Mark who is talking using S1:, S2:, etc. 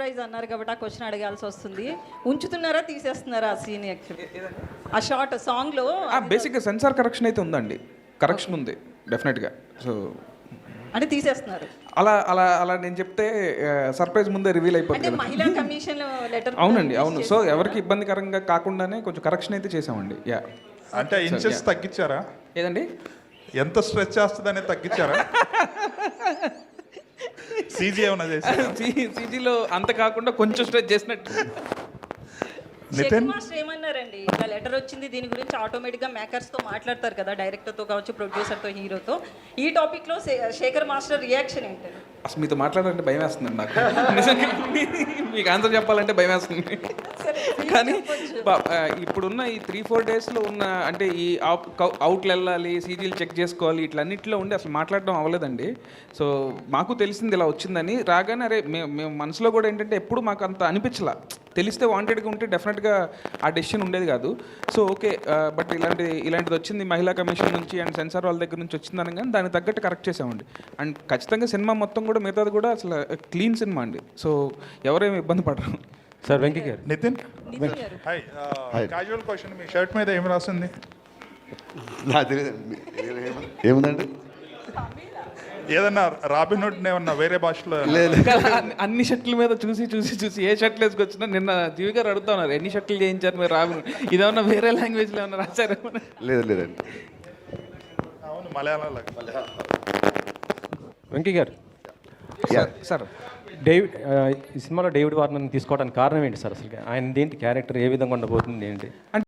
S1: Surprise అన్నారు కాబట్టి ఆ క్వశ్చన్ అడగాల్సి వస్తుంది. ఉంచుతున్నారా తీసేస్తున్నారా ఆ సీన్? యాక్చువల్లీ ఆ షార్ట్ సాంగ్లో
S2: బేసిక్గా సెన్సార్ కరెక్షన్ అయితే ఉందండి, కరెక్షన్ ఉంది డెఫినెట్గా. సో
S1: అంటే తీసేస్తున్నారు
S2: అలా అలా అలా నేను చెప్తే సర్ప్రైజ్ ముందే రివీల్
S1: అంటే
S2: అయిపోతుంది.
S1: మహిళా కమిషన్ లెటర్.
S2: అవునండి, అవును. సో ఎవరికి ఇబ్బందికరంగా కాకుండానే కొంచెం కరెక్షన్ అయితే చేసామండి. యా.
S3: అంటే ఇంచెస్ తగ్గించారా?
S2: ఏదండి?
S3: ఎంత స్ట్రెచ్ చేస్తుందనే తగ్గించారా? సీజీ ఏమన్నా చేశారా?
S2: సీజీలో అంత కాకుండా కొంచెం స్ట్రెచ్ చేసినట్టు.
S3: నితిన్
S1: మాస్టర్ ఏమన్నారండి? ఇలా లెటర్ వచ్చింది, దీని గురించి ఆటోమేటిక్గా మేకర్స్తో మాట్లాడతారు కదా, డైరెక్టర్తో కావచ్చు, ప్రొడ్యూసర్తో, హీరోతో. ఈ టాపిక్లో శేఖర్ మాస్టర్ రియాక్షన్ ఏంటండి?
S2: అసలు మీతో మాట్లాడాలంటే భయం వేస్తుందండి నాకు. నిజంగా మీకు ఆన్సర్ చెప్పాలంటే భయం వేస్తుంది. కానీ ఇప్పుడున్న ఈ 3-4 డేస్లో ఉన్న అంటే ఈ అవుట్లు వెళ్ళాలి, సీజీలు చెక్ చేసుకోవాలి, ఇట్లన్నింటిలో ఉండి అసలు మాట్లాడడం అవ్వలేదండి. సో మాకు తెలిసింది ఇలా వచ్చిందని. రాగానే అరే మేము మనసులో కూడా ఏంటంటే ఎప్పుడు మాకు అంత అనిపించలా. తెలిస్తే వాంటెడ్గా ఉంటే డెఫినెట్గా ఆ డెసిషన్ ఉండేది కాదు. సో ఓకే, బట్ ఇలాంటిది వచ్చింది మహిళా కమిషన్ నుంచి అండ్ సెన్సార్ వాళ్ళ దగ్గర నుంచి వచ్చిందని కానీ దానికి తగ్గట్టు కరెక్ట్ చేసామండి. అండ్ ఖచ్చితంగా సినిమా మొత్తం కూడా మిగతాది కూడా అసలు క్లీన్ సినిమా అండి. సో ఎవరేమి ఇబ్బంది పడరు.
S4: Sir Venky garu.
S3: Nithin
S1: garu.
S3: Hi. Casual question, మీ షర్ట్ మీద ఏం రాసింది?
S5: నాకు తెలియదు ఏముందండి.
S3: ఏదన్నా రాబిన్ హుడ్ ఏమన్నా వేరే భాషలో?
S5: లేదు
S2: అన్ని షర్ట్ల మీద చూసి చూసి చూసి ఏ షర్ట్లు వేసుకొచ్చినా నిన్న జీవి గారు అడుగుతా ఉన్నారు ఎన్ని షర్ట్లు చేయించారు మీరు రాబిన్. ఇదేమన్నా వేరే లాంగ్వేజ్లో ఏమన్నా రాశారు?
S5: లేదు లేదండి.
S3: అవును, మలయాళం.
S4: వెంకీ గారు.
S2: సార్
S4: ఈ సినిమాలో డేవిడ్ వార్నర్ని తీసుకోవడానికి కారణం ఏంటి సార్? అసలు ఆయన ఏంటి క్యారెక్టర్ ఏ విధంగా ఉండబోతుంది ఏంటి?